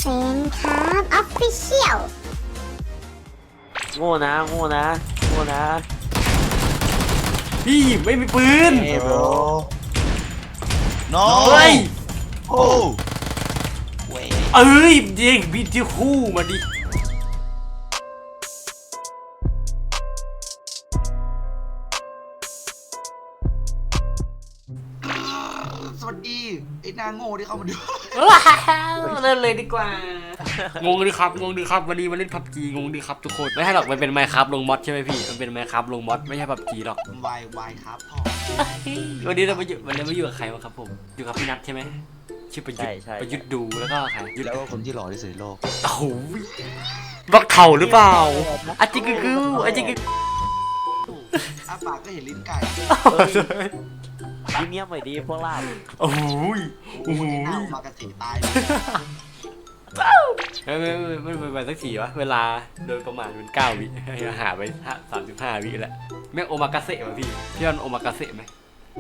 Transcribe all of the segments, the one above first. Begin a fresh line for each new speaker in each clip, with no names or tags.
เซนครับออฟฟิเชียล
โง่นะโง่นะโง่นะ
พี่ไม่มีปืน
Hey bro No
เฮ้ย
โอ้เว้ย
เอ้ยเด็กบิดที่คู่มาดิ
สวัสดีไอ้นางโง่ที่เข้ามาดู
เล่นเลยดีกว่างงดิครับวันนี้มาเล่นพับจีงงดิครับทุกคนไม่ใช่หรอกมันเป็นไมค์ครับลงมอดใช่ไหมพี่มันเป็นไมค์ครับลงมอดไม่ใช่พับจีหรอก
วายครับพ่อ
วันนี้เรามาอยู่กับใครวะครับผมอยู่กับพี่นัทใช่ไหมชื่อประยุทธ์ประยุทธ์ดูแล้วก็ใครยุทธ์
แล้วก็คนที่หล่อที่สุดในโลก
โอ้โหบักเข่าหรือเปล่าอาจิกกึอาจิกกึ
อ้าปากก็เห็นลิ้นไก่
ยิ้มเยี่ยมหน่อยดีพวกเรา
โอ้โห
โอ้โหหน้ามากระสีตาย
ไม่ไปสักทีวะเวลาโดยประมาณเป็น9 วิหาไป35 วิแล้วแม่งโอมากาเสะป่ะพี่วันโอมากาเสะไหม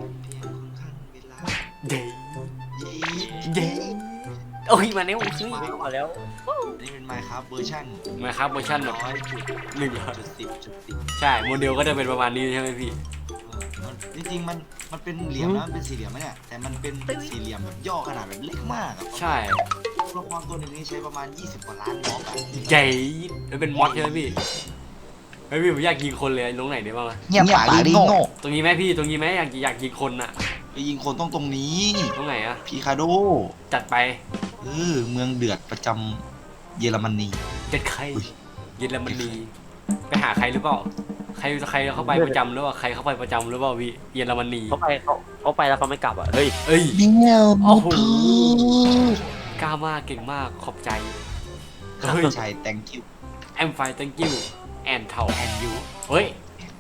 เย้เย้โอ้ยมาเนี้ยโอ้ย
มาแล้ว
นี่เป็นไมค์ครับเวอร์ชัน
มาครับเวอร์ชันแบบ
100.10.10
ใช่โมเดลก็จะเป็นประมาณนี้ใช่ไหมพี่
จริงๆมันเป็นเหลี่ยมนะมันเป็นสี่เหลี่ยมไหมเนี่ยแต่มันเป็นสี่เหลี่ยมแบบย่อขนาดแบบเล็กมากอะ
ใช่
ละครตัวหนึ่งนี่ใช้ประมาณ20 กว่าล้านบล็อกอะ
ใหญ่แล้วเป็นมอดใช่ไหมพี่เฮ้ยพี่ผมอยากยิงคนเลยลงไหนได้บ้างวะ
เงียบปากดิโง่
ตรงนี้ไหมพี่ตรงนี้ไหมอยากยิงคนอะ
ไปยิงคนตรงนี้
ตรงไหนอะ
พีคาโด
จัดไป
เมืองเดือดประจำเยอรมนี
เจ็ดใครเยอรมนีไปหาใครหรือเปล่าใครเข้าไปประจำหรือเปล่าใครเข้าไปประจำหรือเปล่าพี่เยอรมนี
เขาไปแล้วเขาไม่กลับอ่ะเฮ้ย
เอ้ย
เมียว
โอ้โหกล้ามากเก่งมากขอบใจ
เฮ้ยใช่ thank you
แอมไฟ thank you and เท่า and you เฮ้ย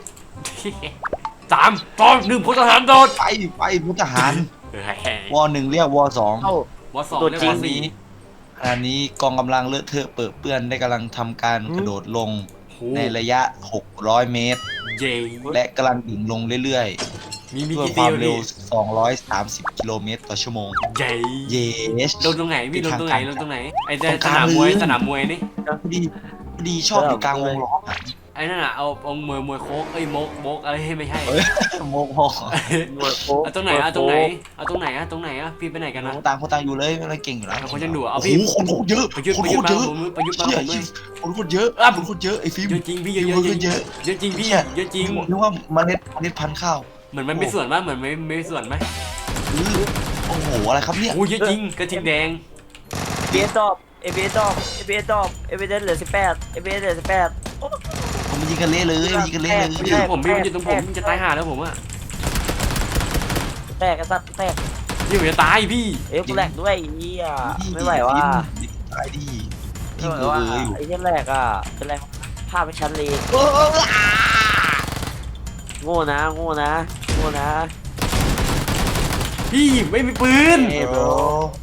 3 2 1พลทหารโดด
ไปพุทธหาร
เฮ้ยว
อ1เรียกวอ2
เอ้า
วอสอง
ตัว
เรียก
จริ
ว
ง
อสี่
ขณะนี้กองกำลังเลอะเทอะเปื้อนเปื้อนได้กำลังทำการกระโดดลงในระยะ 600 เมตร
เย้
และกำลังดิ่งลงเรื่อย
มี
ๆด้วย
กี่
ค
ตี
วาม
วะ
เร็ว
พี่
230 กิโลเมตรต่อชั่วโมง
เย้
เยส
ลงตรงไหนพี่ลงตรงไหนไอ้
ตรงก
ส
ลาง
สนามมวยนี่
พอดีชอบอยู่กลางวงล้ออะ
ไอ้นั่นน่ะเอามวยโค้กเอ้ยโมกอะไรไม่ใช่
โมกพ่อ
หน่วยโค้ก
เอาตรงไหนอะพี่ไปไหนกันนะ
คนต่างอยู่เลยอะไรเก่งอยู่แล้ว
คนยังดูเอา
โอ้
พี่
โหคนโคตรเยอะ
ประยุทธ์
คน
มา
โคตรเยอะ
ประยุทธ์มา
เชี่ย
ผมด้วย
คนโคตรเยอะ
อ่ะ
คนโคตรเยอะไอ้ฟิล์ม
เยอะจริงพี่เยอะ
คนเยอะ
เยอะจริงพี่
เชี่ย
เยอะจริง
นึกว่าเมล็ดพันธุ์ข้าว
เหมือนมันไม่ส่วนมั้ยเหมือนไม่ส่วนไหม
โอ้โหอะไรครับเนี่ย
โอ้เยอะจริงกระทิงแดง
เอเบสดอบเอเบสดอบเอเบสดอบเอเบสเหลือ18เอเบสเหลือ18
ผมยิงกันเละเลยยิงกันเละเลย
มันอยู่ตรงผมพี่มันอยู่ตรงผมมันจะตายห่าแล้วผมอะ
แตกกระสัดแตก
พี่ผมจะตายพี่
เอ้ยกูแหลกด้วยไอ้เหี้ยไม่ไหวว่ะ
ตายดิ
ไม่
ยิง
ไหว
เอ
ว่ะ
ออยู่
ไอ้เหี้ยแหลกอ่ะเป็นไรภาพไม่ชัดเลยโง่นะโง่นะโง่นะ
พี่ไม่มีปืน
เฮ้ย bro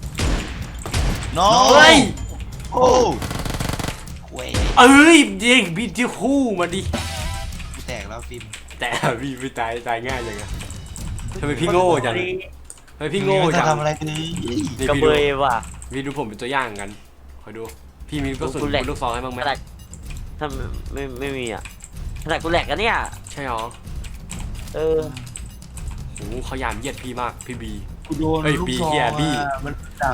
no
เฮ้ย
โอ้เว้ย
เอ้ยเด็กบิดที่คู่มาดิ
กูแตกแล้วฟิล์ม
แต่พี่ไม่ตายง่ายจังอะทำไมพี่โง่จังทำไมพี่โง่จัง
ทำอะไรกัน
นี่
กระ
พี่
เบ
ดู
ยว่ะ
พี่ดูผมเป็นตัวอย่างกันคอยดูพี่มีกระสุน
กูแหลก
ลูกซองให้บ้างไหม
ขนาดถ้าไม่มีอ่ะขนาดกูแหลกกันเนี่ย
ใช่หรอ
เออ
โอ้โหเขาหยามเหยียดพี่มากพี่บี
กูโดน
เฮ้ย
ลูก
บี
ซอง
เหี้ยบี
มันดัก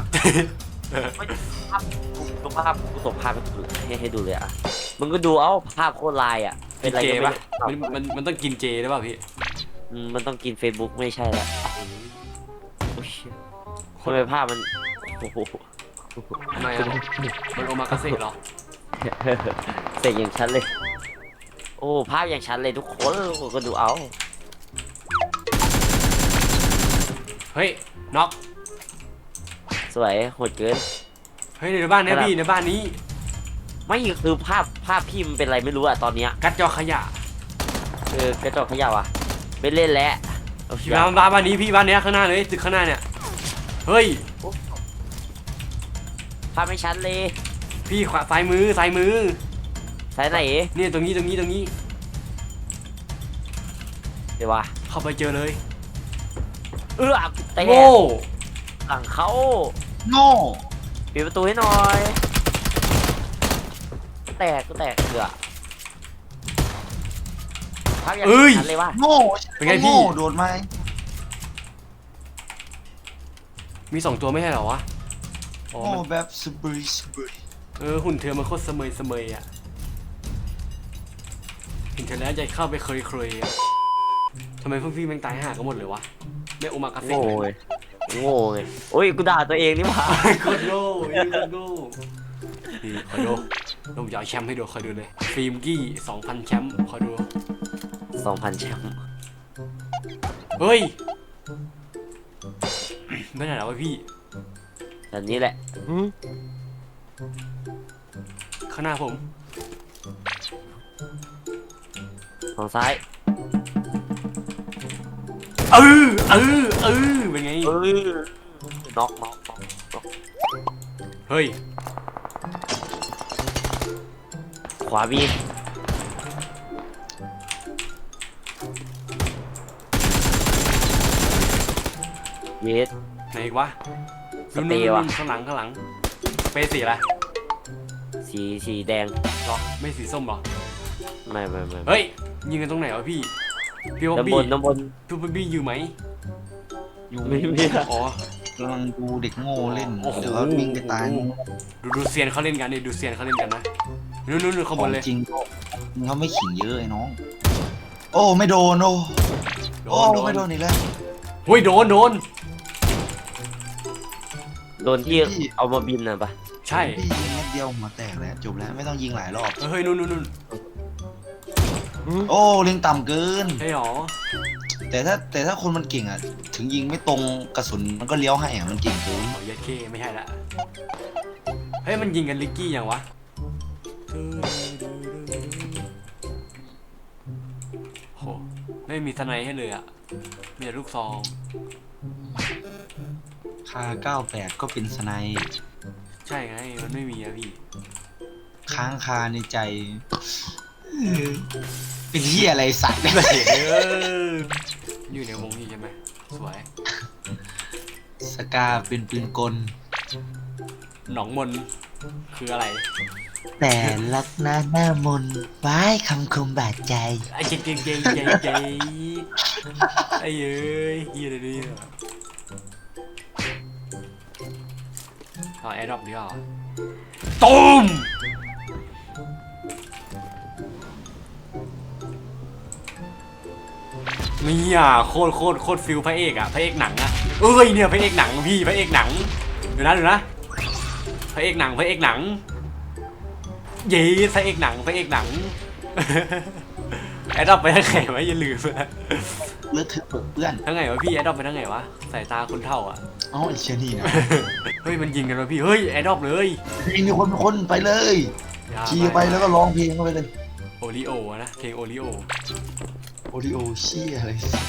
ดูภาพกูส่งภาพให้ดูเลยอ่ะมึงก็ดูเอ้าภาพโคตรลายอ่ะเป็นอะไร
เจ
ก็ไม่
ปะ
รู้
มันต้องกินเจหรือเปล่าพี่
มันต้องกิน Facebook ไม่ใช่แล้วโอ้ยทำไมภาพมันโอ้โห
ทำไมอะมันโอมากาเสะเหรอ
เสร็จอย่างชัดเลย โอ้ภาพอย่างชัดเลยทุกคนก็ดูเอา
เฮ้ยน็อก
สวยโหดเกิน
เฮ้ยในบ้านเนี้ยพี่ในบ้านนี้
ไม่คือภาพพี่มันเป็นอะไรไม่รู้อะตอนเนี้ย
กัดจอขยะ
กระจกขยับอะไม่เล่นแล้วเอา
พี่บ้านนี้พี่บ้านเนี้ยข้างหน้าเลยตึกข้างหน้าเนี่ยเฮ้ย
ภาพไม่ชัดเลย
พี่ขวาซ้ายมือ
สายไหน
เนี่ยตรงนี้
เดี๋ยววะ
เข้าไปเจอเลย
แต่
โง่
หลังเขา
โง่
ปิดประตูให้หน่อยกูแตกเกือพักอย่าง
เอ้ย
นั้นเลยว่า
โง่
เป็นไงพี่
โง่โดนไหม
มี2ตัวไม่ใช่เหรอวะอ๋อ
โง่
มัน
แบบสบายสบาย
หุ่นเธอมันโคตรเสมยอ่ะเห็นเธอแล้วใจเข้าไปเคยอ่ะทำไมพวกพี่แม่งตายห่ากันหมดเลยวะไม่โอมากาเซ่
โง่ไงโง่ไงโอ้ยกูด่าตัวเองนี่หว่า
โคตรโง่นี่คอยดูลงยาวแชมป์ให้ดูคอยดูเลยฟิล์มกี้ 2,000 แชมป์คอยดู
2,000 แชมป์
เฮ้ยไม่ไหนแล้ววะพี่
แบบนี้แหละ
ข้างหน้าผม
ฝั่งซ้าย
เป็นไง
น็อก
เฮ้ย
ขวาบีเยส
ไหนอีกวะ
สเปรย์ว่ะ
ข้างหลังสเปรย์สีอะไร
สีแดง
หรอไม่สีส้มหรอ
ไม่
เฮ้ยยิงกันตรงไหนวะพี่พี่บ๊อบ
น้ำบ
บี้
นน้ำบน
พี่บ๊อบบี้อยู่ไหม
อยู่
ไม่มี
อ๋อก
ำลังดูเด็กโง่เล่น
โอ้โห
เดี๋ยวเขาวิ่งไปตาย
ดูเซียนเขาเล่นกันดิดูเซียนเขาเล่นกันนะนู่นข้าง
ข
บ
อน ง
เลย
จริงเขาไม่ขิงเยอะไอ้น้อง โอ้ไม่โดนโอ้ไม่โดนอีกแล้ว
เฮ้ยโดน
โดนที่เอามาบินน่ะปะ
ใช่
พี่ยิงเม็ดเดียวหัวแตกแล้วจบแล้วไม่ต้องยิงหลายรอบ
เฮ้ยนู่น
โอ้เล็งต่ำเกิน
ใช่หรอ
แต่ถ้าคนมันเก่งอ่ะ ถึงยิงไม่ตรงกระสุนมันก็เลี้ยวให้อ่ะมันเก่งเกิน
อ๋อเย็ดเคไม่ใช่ละเฮ้ยมันยิงกันลิกกี้ยังวะโหไม่มีทนายให้เลยอ่ะมีแต่ลูกซอง
คา98ก็เป็นสไนป์
ใช่ไงมันไม่มีอะพี่
ค้างคาในใจเป็นเหี้ยอะไรสัตว์เนี่ย
อยู่ในวงนี้ใช่ไหมสวย
สกาเป็นปืนกล
หนองมนคืออะไร
แต่ลักหน้ามนว้ายคำคมบาดใจ
ไอ้เจ๊ไอ้เอ้ยเฮียอะไรเนี่ยเอาแอร์ดรอปดีกว่าตูมนี่อ่ะโคตรฟิลพระเอกอ่ะพระเอกหนังอ่ะเอ้ยเนี่ยพระเอกหนังพี่พระเอกหนังเดี๋ยวนะพระเอกหนังเย้พระเอกหนังแอดดอปไปทางไหนวะอย่าลืมนะ
เลือดเธอะเปิดเปื้อน
ทางไหนวะพี่แอดดอปไปทางไหนวะสายตาคนเท่าอ่ะ
เอ้าไอ้เชยนี่นะ
เฮ้ยมันยิงกันวะพี่เฮ้ยแอดดอปเลย
มีคนไปเลยขี่ไปแล้วก็ร้องเพลงเข้าไปเลย
โอริโอนะเพลงโอริโอ
โอริโอเชี่ยอะไร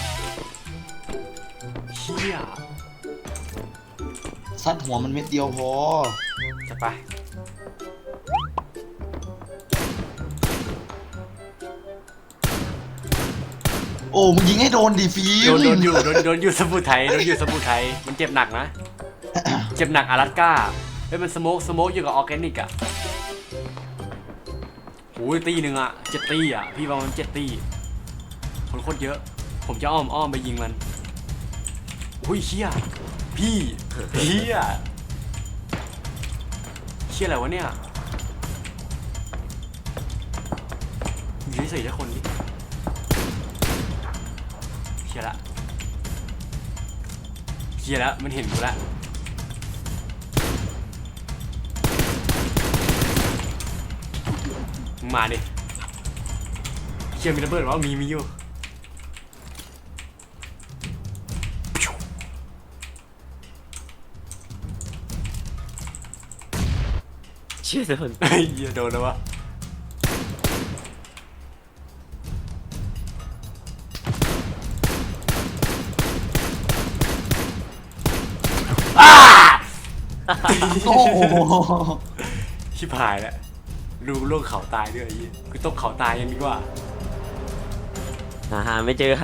เชี่ย
ซัดหัวมันเม็ดเดียวพอ
จะไป
โอ้มึงยิงให้โดนดิฟิล
โดนอยู่สมุทรไทยมันเจ็บหนักนะ เจ็บหนักอารัสก้าเฮ้ยมันสโมกอยู่กับออร์แกนิกอ่ะโอ้ยตีหนึ่งอ่ะ7 ตีอ่ะพี่ประมาณ7 ตีคนโคตรเยอะ ผมจะอ้อมไปยิงมันอุ้ยเชี่ยพี่เชี่ยอะไรวะเนี่ยอยู่เฉยๆแค่คนนี้เชี่ยละมันเห็นกูละมึงมาดิเชี่ยมีระเบิดวะมีอยู่
เชื่อโดน
เฮ้ยเหี้ยโดนแล้ววะ
โอ้โห
ชิบหายแล้วลูกโลกเขาตายด้วยไอ้เหี้ยกูตกเขาตายยังดีกว่า
หาไม่เจอ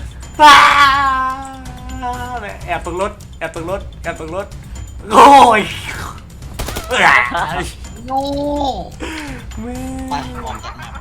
แอบตรงรถโอ้ย
โง่
แม่
ออกจากแมป